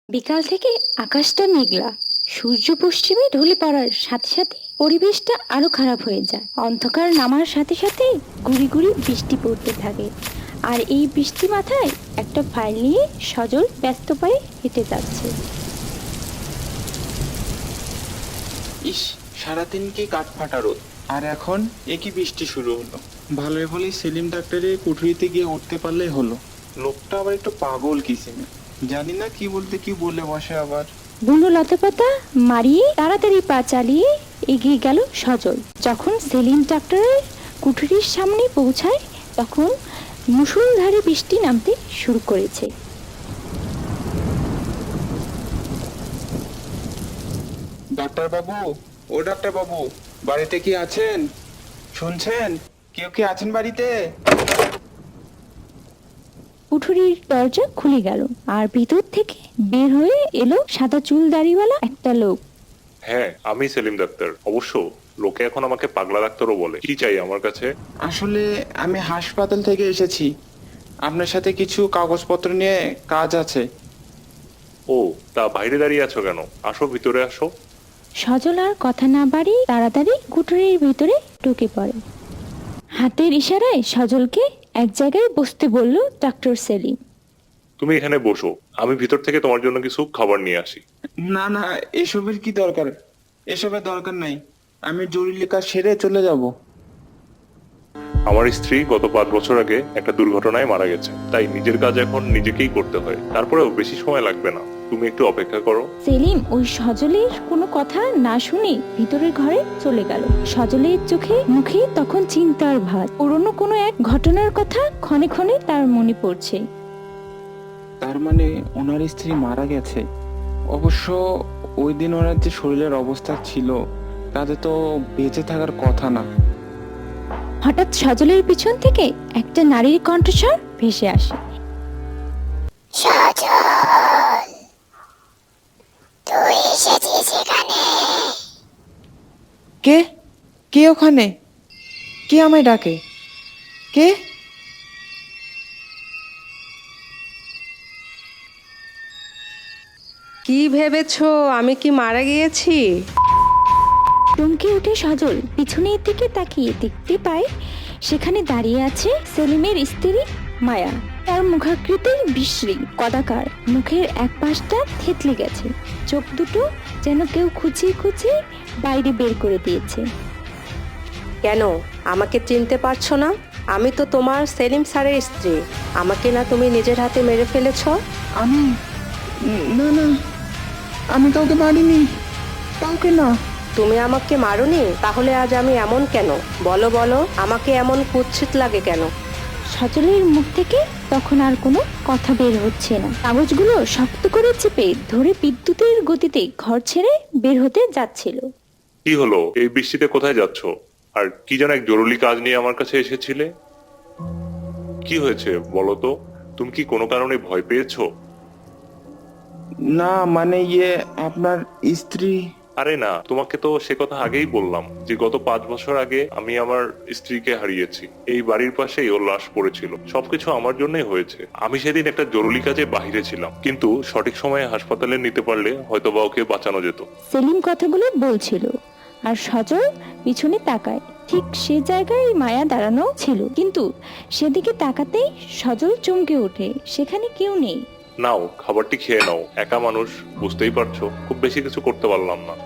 বিকাল থেকে আকাশটা মেঘলা। সূর্য পশ্চিমে ঢলে পড়ার সাথে সাথে পরিবেশটা আরো খারাপ হয়ে যায়। অন্ধকার নামার সাথে সাথে গুড়ি গুড়ি বৃষ্টি পড়তে থাকে। আর এই বৃষ্টি মাথায় একটা ফাইল নিয়ে সজল ব্যস্ত পায়ে হেঁটে যাচ্ছে। ইস, সারাদিন কি কাঠফাটা রোদ, আর এখন একই বৃষ্টি শুরু হলো। ভালোই ভালোই সেলিম ডাক্তারের কুঠুরিতে গিয়ে উঠতে পারলেই হলো। লোকটা আবার একটু পাগল কিসিমে, জানি না কি বলতে কি বলে বসে আবার। বুনো লতাপাতা মারিয়ে তাড়াতাড়ি পা চালিয়ে এগিয়ে গেল সজল। যখন সেলিম ডাক্তারের কুঠুরির সামনে পৌঁছায় তখন মুষলধারে বৃষ্টি নামতে শুরু করেছে। ডাক্তার বাবু, ও ডাক্তার বাবু, বাড়িতে কি আছেন? শুনছেন? কেউ কি আছেন বাড়িতে? কুঠুরির দরজা খুলে গেল আর ভিতর থেকে বের হয়ে এলো সাদা চুল দাড়িওয়ালা একটা লোক। হ্যাঁ, আমি সেলিম ডাক্তার। অবশ্য লোকে এখন আমাকে পাগলা ডাক্তারও বলে। কি চাই আমার কাছে? আসলে আমি হাসপাতাল থেকে এসেছি, আপনার সাথে কিছু কাগজপত্র নিয়ে কাজ আছে। ও, তা বাইরে দাঁড়িয়ে আছো কেন? আসো, ভিতরে আসো। সজল আর কথা না বাড়িয়ে তাড়াতাড়ি কুঠুরির ভিতরে ঢুকে পড়ে। হাতের ইশারায় সজলকে এক জায়গায় বসতে বলল ডাক্তার সেলিম। তুমি এখানে বসো, আমি ভিতর থেকে তোমার জন্য কিছু খাবার নিয়ে আসি। না না, এসবের কি দরকার? এসবের দরকার নাই, আমি জরুরি কাজ সেরে চলে যাব। আমার স্ত্রী গত 5 বছর আগে একটা দুর্ঘটনায় মারা গেছে, তাই নিজের কাজ এখন নিজেকেই করতে হয়। তারপরেও বেশি সময় লাগবে না, তুমি একটু অপেক্ষা করো। সেলিম ওই সজলের কোনো কথা না শুনে ভিতরের ঘরে চলে গেল। সজলের চোখে মুখে তখন চিন্তার ভাঁজ। পুরনো কোনো এক ঘটনার কথা ক্ষণে ক্ষণে তার মনে পড়ছে। তার মানে ওনার স্ত্রী মারা গেছে। অবশ্য ওই দিন ওনার যে শরীরের অবস্থা ছিল তাতে তো বেঁচে থাকার কথা না। হঠাৎ সজলের পিছন থেকে একটা নারীর কণ্ঠস্বর ভেসে আসে। কে? কে ওখানে? কে আমায় ডাকে? কে? কি ভেবেছো আমি কি মারা গিয়েছি? চমকে উঠে সজল পিছনের দিকে তাকিয়ে দেখতে পায় সেখানে দাঁড়িয়ে আছে সেলিমের স্ত্রী মায়া। তার মুখাকৃতি বিশ্রী, কদাকার, মুখের এক পাশটা থেতলে গেছে, চোখ দুটো যেন কেউ খুঁচিয়ে খুঁচিয়ে বাইরে বের করে দিয়েছে। কেন, আমাকে চিনতে পারছো না? আমি তো তোমার সেলিম স্যারের স্ত্রী। আমাকে না তুমি নিজের হাতে মেরে ফেলেছো? আমি? না না, আমি কাউকে মারিনি, কাউকে না। তুমি আমাকে মারোনি? তাহলে আজ আমি এমন কেন? বলো বলো, আমাকে এমন কুৎসিত লাগে কেন? সজলের মুখ থেকে তখন আর কোনো কথা বের হচ্ছে না। কাগজগুলো শক্ত করে চেপে ধরে বিদ্যুতের গতিতে ঘর ছেড়ে বের হতে যাচ্ছিল। কি হলো? এই বৃষ্টিতে কোথায় যাচ্ছ? আর কি যেন এক জরুরি কাজ নিয়ে আমার কাছে এসেছিলে। কি হয়েছে বলো তো? তুমি কি কোনো কারণে ভয় পেয়েছো? না মানে আপনার স্ত্রী। আরে না, তোমাকে তো সে কথা আগেই বললাম যে গত 5 বছর আগে আমি আমার স্ত্রীকে হারিয়েছি। এই বাড়ির পাশেই ওর লাশ পড়েছিল। সবকিছু আমার জন্যই হয়েছে। আমি সেদিন একটা জরুরি কাজে বাহিরে ছিলাম, কিন্তু সঠিক সময়ে হাসপাতালে নিতে পারলে হয়তো বা ওকে বাঁচানো যেত। সেলিম কথাগুলো বলছিল আর সজল পিছনে তাকায়। ঠিক সে জায়গায় মায়া দাঁড়ানো ছিল, কিন্তু সেদিকে তাকাতেই সজল চমকে ওঠে, সেখানে কেউ নেই। নাও, খাবারটি খেয়ে নাও। একা মানুষ, বুঝতেই পারছো, খুব বেশি কিছু করতে পারলাম না।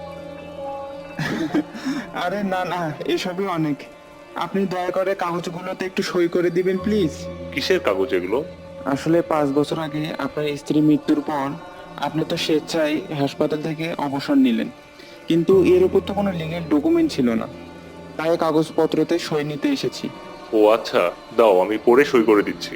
আরে না না, এসবই অনেক। আপনি দয়া করে কাগজগুলোতে একটু সই করে দিবেন প্লিজ। কিসের কাগজ এগুলো? আসলে 5 বছর আগে আপনার স্ত্রী মৃত্যুর পর আপনি তো স্বেচ্ছায় হাসপাতাল থেকে অবসর নিলেন, কিন্তু এর উপর তো কোনো লিগ্যাল ডকুমেন্ট ছিল না, তাই কাগজপত্রতে সই নিতে এসেছি। ও আচ্ছা, দাও আমি পড়ে সই করে দিচ্ছি।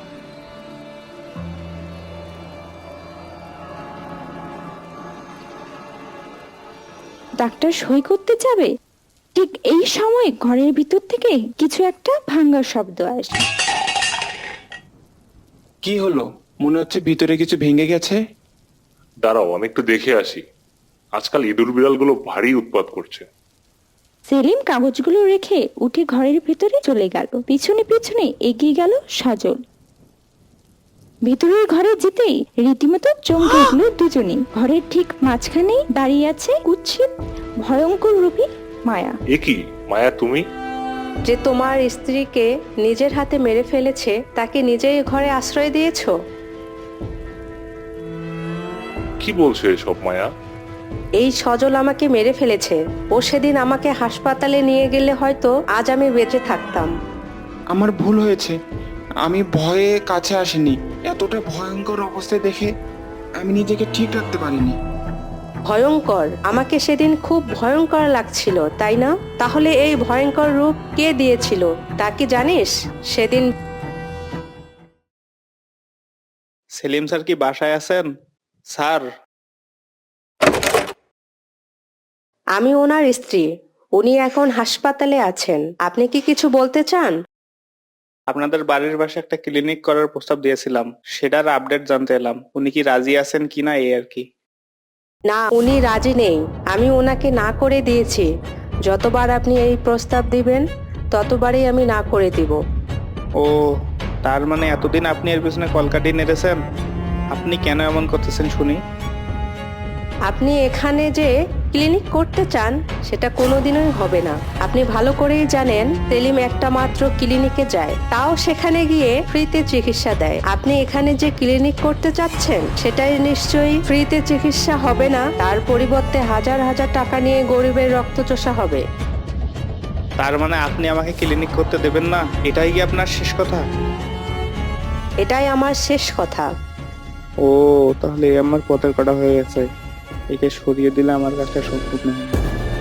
ডাক্তার সই করতে যাবে, ঠিক এই সময় ঘরের ভিতর থেকে কিছু একটা ভাঙার শব্দ আসে। কি হলো? মনে হচ্ছে ভিতরে কিছু ভেঙে গেছে। দাঁড়াও, আমি একটু দেখে আসি। আজকাল ইঁদুর বিড়ালগুলো ভারী উৎপাত করছে। সেলিম কাগজগুলো রেখে উঠে ঘরের ভিতরে চলে গেল। পিছনে পিছনে এগিয়ে গেল সজল। ভেতরের ঘরে যেতেই রীতিমতো চমকে উঠল দুজনেই। ঘরের ঠিক মাঝখানেই দাঁড়িয়ে আছে কুৎসিত ভয়ঙ্কর রূপী মায়া। এ কি মায়া, তুমি? যে তোমার স্ত্রীকে নিজের হাতে মেরে ফেলেছে তাকে নিজেই ঘরে আশ্রয় দিয়েছো? কি বলছো এসব মায়া? এই সজল আমাকে মেরে ফেলেছে। ও সেদিন আমাকে হাসপাতালে নিয়ে গেলে হয়তো আজ আমি বেঁচে থাকতাম। আমার ভুল হয়েছে, আমি ভয়ে কাছে আসিনি। এতটা ভয়ঙ্কর অবস্থা দেখে আমি নিজেকে ঠিক রাখতে পারিনি। ভয়ঙ্কর? আমাকে সেদিন খুব ভয়ঙ্কর লাগছিল, তাই না? তাহলে এই ভয়ঙ্কর রূপ কে দিয়েছিল তা কি জানিস? সেদিন সেলিম স্যার কি বাসায় আছেন? স্যার, আমি ওনার স্ত্রী। উনি এখন হাসপাতালে আছেন। আপনি কি কিছু বলতে চান? আপনাদের বাড়ির পাশে একটা ক্লিনিক করার প্রস্তাব দিয়েছিলাম, সেটার আপডেট জানতে এলাম। উনি কি রাজি আছেন কিনা এই আর কি। না, উনি রাজি নেই। আমি ওনাকে না করে দিয়েছি। যতবার আপনি এই প্রস্তাব দিবেন ততবারই আমি না করে দিব। ও, তার মানে এতদিন আপনি এর পিছনে কলকাঠি নেড়েছেন। আপনি কেন এমন করতেছেন শুনি? আপনি এখানে যে ক্লিনিক করতে চান সেটা কোনোদিনই হবে না। আপনি ভালো করেই জানেন সেলিম একটা মাত্র ক্লিনিকে যায়, তাও সেখানে গিয়ে ফ্রিতে চিকিৎসা দেয়। আপনি এখানে যে ক্লিনিক করতে চাচ্ছেন সেটাই নিশ্চয়ই ফ্রিতে চিকিৎসা হবে না, তার পরিবর্তে হাজার হাজার টাকা নিয়ে গরিবের রক্তচোষা হবে। তার মানে আপনি আমাকে ক্লিনিক করতে দেবেন না, এটাই কি আপনার শেষ কথা? এটাই আমার শেষ কথা। ও, তাহলে এই আমার পথের কাটা হয়ে গেছে। একে সরিয়ে দিলে আমার কাছে সম্পূর্ণ হবে।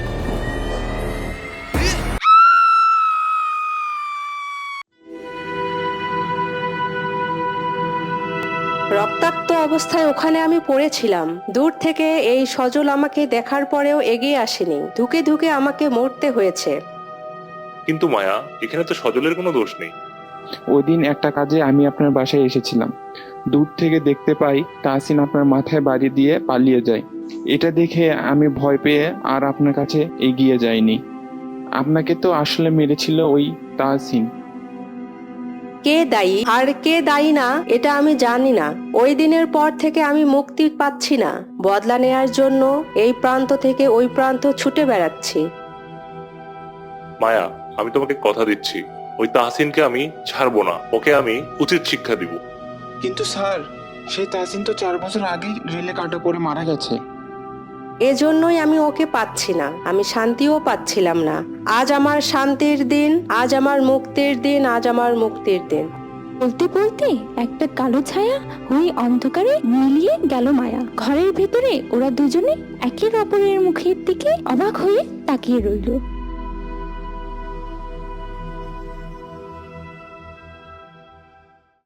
রক্তাক্ত অবস্থায় ওখানে আমি পড়েছিলাম। দূর থেকে এই সজল আমাকে দেখার পরেও এগিয়ে আসেনি। ধুকে ধুকে আমাকে মরতে হয়েছে। কিন্তু মায়া, এখানে তো সজলের কোনো দোষ নেই। ওই দিন একটা কাজে আমি আপনার বাসায় এসেছিলাম। দূর থেকে দেখতে পাই তাহসিন আপনার মাথায় বাড়ি দিয়ে পালিয়ে যায়। এটা দেখে আমি ভয় পেয়ে আর আপনার কাছে এগিয়ে যাইনি। আপনাকে তো আসলে মেরেছিল ওই তাহসিন। কে দায়ী আর কে দায়ী না এটা আমি জানি না। ওই দিনের পর থেকে আমি মুক্তি পাচ্ছি না। বদলা নেয়ার জন্য এই প্রান্ত থেকে ওই প্রান্ত ছুটে বেড়াচ্ছি। মায়া, আমি তোমাকে কথা দিচ্ছি, ওই তাহসিনকে আমি ছাড়বো না। ওকে আমি উচিত শিক্ষা দিব। কিন্তু স্যার, সেই তাহসিন তো 4 বছর আগেই রেলে কাটা পড়ে মারা গেছে। এজন্যই আমি ওকে পাচ্ছি না। আমি শান্তিও পাচ্ছিলাম না। আজ আমার শান্তির দিন, আজ আমার মুক্তির দিন, আজ আমার মুক্তির দিন। বলতে বলতে একটা কালো ছায়া হয়ে অন্ধকারে মিলিয়ে গেল মায়া। ঘরের ভেতরে ওরা দুজনে একে অপরের মুখের দিকে অবাক হয়ে তাকিয়ে রইল।